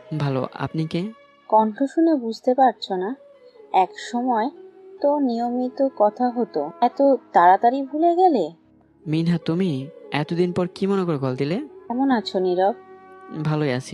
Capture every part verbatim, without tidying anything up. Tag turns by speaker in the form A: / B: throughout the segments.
A: ভালো, আপনি কে?
B: কণ্ঠ শুনে বুঝতে পারছো না? এক সময় তো নিয়মিত কথা হতো, এত তাড়াতাড়ি ভুলে গেলে?
A: মিনহা, তুমি? এতদিন পর কি মনে করে কল দিলে?
B: কেমন আছো নীরব?
A: ভালোই আছি।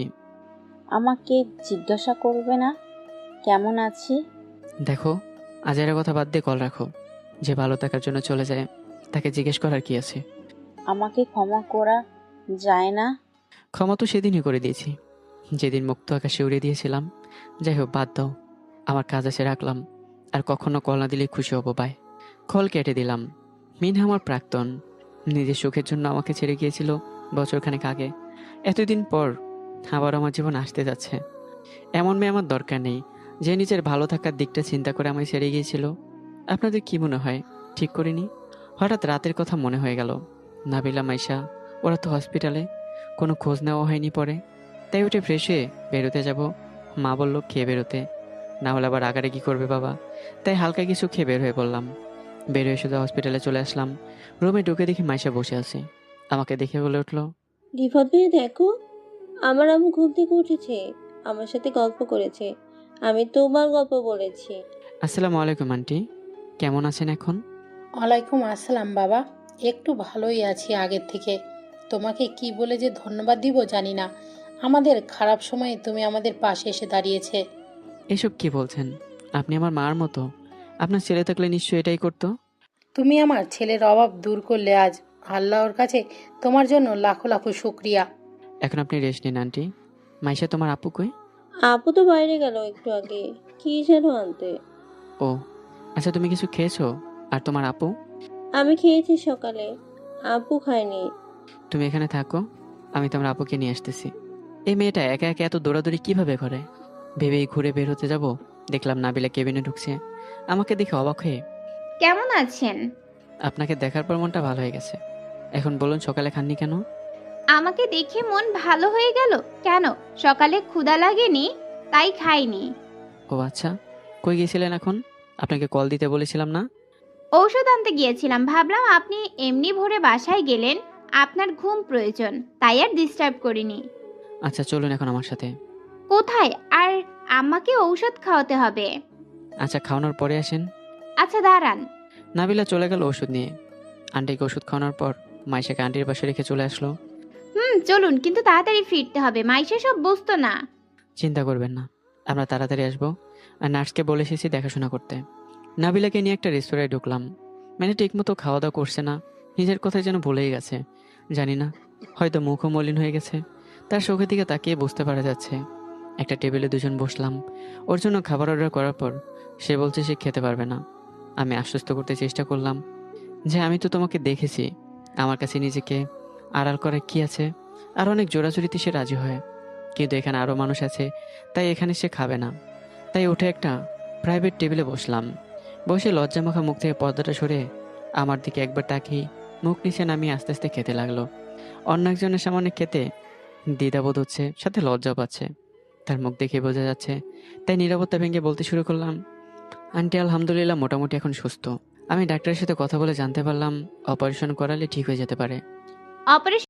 B: আমাকে জিজ্ঞাসা করবে না কেমন আছি?
A: দেখো, আজের কথা বাদ দিয়ে কল রাখো। যে ভালো থাকার জন্য চলে যায় তাকে জিজ্ঞেস করার কি আছে?
B: আমাকে ক্ষমা করা যায় না?
A: ক্ষমা তো সেদিনই করে দিয়েছি, যেদিন মুক্ত আকাশে উড়িয়ে দিয়েছিলাম। যাই হোক, বাদ দাও। আমার কাজ আছে, রাখলাম। আর কখনো কল না দিলে খুশি হবো, বাই। কল কেটে দিলাম। মিনহা আমার প্রাক্তন, নিজের সুখের জন্য আমাকে ছেড়ে গিয়েছিল বছরখানেক আগে। এতদিন পর আবার আমার জীবন আসতে যাচ্ছে। এমন মেয়ে আমার দরকার নেই, যে নিজের ভালো থাকার দিকটা চিন্তা করে আমায় ছেড়ে গিয়েছিল। আপনাদের কি মনে হয় ঠিক করিনি? হঠাৎ রাতের কথা মনে হয়ে গেল। নাবিলা, মাইশা, ওরা তো হসপিটালে, কোনো খোঁজ নেওয়া হয়নি পরে। তাই উঠে ফ্রেশ হয়ে বেরোতে যাব। মা বলল খেয়ে বেরোতে, না হলে আবার আগারে কি করবে বাবা। তাই হালকা কিছু খেয়ে বের হয়ে পড়লাম। বের হয়ে শুধু হসপিটালে চলে আসলাম। রুমে ঢুকে দেখি মাইশা বসে আছে। আমাকে দেখে বলে উঠলো,
C: রিফাত ভাই দেখো, আমার আম্মু ঘুম থেকে উঠেছে, আমার সাথে গল্প করেছে, আমি তোমার গল্প বলেছি।
A: আসসালামু আলাইকুম আন্টি, কেমন আছেন এখন?
D: ওয়ালাইকুম আসসালাম বাবা। একটু ভালোই আছি আগের থেকে। তোমাকে কি বলে যে ধন্যবাদ দিব জানি না। আমাদের খারাপ সময়ে তুমি আমাদের পাশে এসে দাঁড়িয়েছে।
A: এসব কি বলছেন? আপনি আমার মার মতো। আপনার ছেলে থাকলে নিশ্চয়ই এটাই করতো।
D: তুমি আমার ছেলের অভাব দূর করলে আজ। আল্লাহর কাছে তোমার জন্য লাখো লাখো শুক্রিয়া।
A: এখন আপনি রেস্ট নিন আন্টি। মাইশা, তোমার আপু কই?
C: আপু তো বাইরে গেল একটু আগে, কি যেন আনতে।
A: ও আচ্ছা, তুমি কিছু খেয়েছো? আর তোমার আপু?
C: আমি খেয়েছি সকালে, আপু খায়নি।
A: তুমি এখানে থাকো, আমি তোমার আপুকে নিয়ে আসতেছি। এই মেয়েটা একা একা এত দৌড়াদৌড়ি কিভাবে করে? ভেবেই ঘুরে বের হতে যাব, দেখলাম নাবিলা কেবিনে ঢুকছে। আমাকে দেখে অবাক হয়ে,
E: কেমন আছেন?
A: আপনাকে দেখার পর মনটা ভালো হয়ে গেছে। এখন বলুন, সকালে খাননি কেন?
E: আমাকে দেখে মন ভালো হয়ে গেল? কেন, সকালে ক্ষুধা লাগেনি তাই খাইনি।
A: ও আচ্ছা, কই গিয়েছিলেন এখন? আপনাকে কল দিতে বলেছিলাম না?
E: ঔষধ আনতে গিয়েছিলাম, ভাবলাম আপনি এমনি ভোরে বাসায় গেলেন, আপনার ঘুম প্রয়োজন, তাই আর ডিস্টার্ব করিনি।
A: আচ্ছা চলুন এখন আমার সাথে।
E: কোথায়? আর আমাকে ঔষধ খাওয়াতে হবে।
A: আচ্ছা, খাওয়ানোর পরে আসেন।
E: আচ্ছা দাঁড়ান।
A: নাবিলা চলে গেল ওষুধ নিয়ে। আন্টিকে ওষুধ খাওয়ানোর পর মাইশাকে আন্টির পাশে রেখে চলে আসলো।
E: হুম, চলুন, কিন্তু তাড়াতাড়ি ফিরতে হবে, মাইশা সব বুঝতো না।
A: চিন্তা করবেন না, আমরা তাড়াতাড়ি আসবো। আর নার্সকে বলে এসেছি দেখাশোনা করতে। নাবিলাকে নিয়ে একটা রেস্তোরাঁয় ঢুকলাম। মানে ঠিকমতো খাওয়া দাওয়া করছে না, নিজের কথাই যেন ভুলেই গেছে। জানি না, হয়তো মুখও মলিন হয়ে গেছে। তার চোখের দিকে তাকিয়ে বুঝতে পারা যাচ্ছে। একটা টেবিলে দুজন বসলাম। ওর জন্য খাবার অর্ডার করার পর সে বলছে সে খেতে পারবে না। আমি আশ্বস্ত করতে চেষ্টা করলাম যে আমি তো তোমাকে দেখেছি, আমার কাছে নিজেকে আড়াল করে কি আছে। আর অনেক জোরাজুরিতে সে রাজি হয়, কিন্তু এখানে আরও মানুষ আছে, তাই এখানে সে খাবে না। তাই উঠে একটা প্রাইভেট টেবিলে বসলাম। বসে লজ্জামাখা মুখ থেকে পর্দাটা সরে আমার দিকে একবার তাকিয়ে মুখ নিচে নামিয়ে আস্তে আস্তে খেতে লাগলো। অন্য একজনের সামনে খেতে দ্বিধাবোধ হচ্ছে, সাথে লজ্জাও পাচ্ছে। তার মুখ দেখে বোঝা যাচ্ছে। তাই নীরবতা ভেঙে বলতে শুরু করলাম, আন্টি আলহামদুলিল্লাহ মোটামুটি এখন সুস্থ। আমি ডাক্তারের সাথে কথা বলে জানতে পারলাম অপারেশন করালে ঠিক হয়ে যেতে পারে।
E: অপারেশন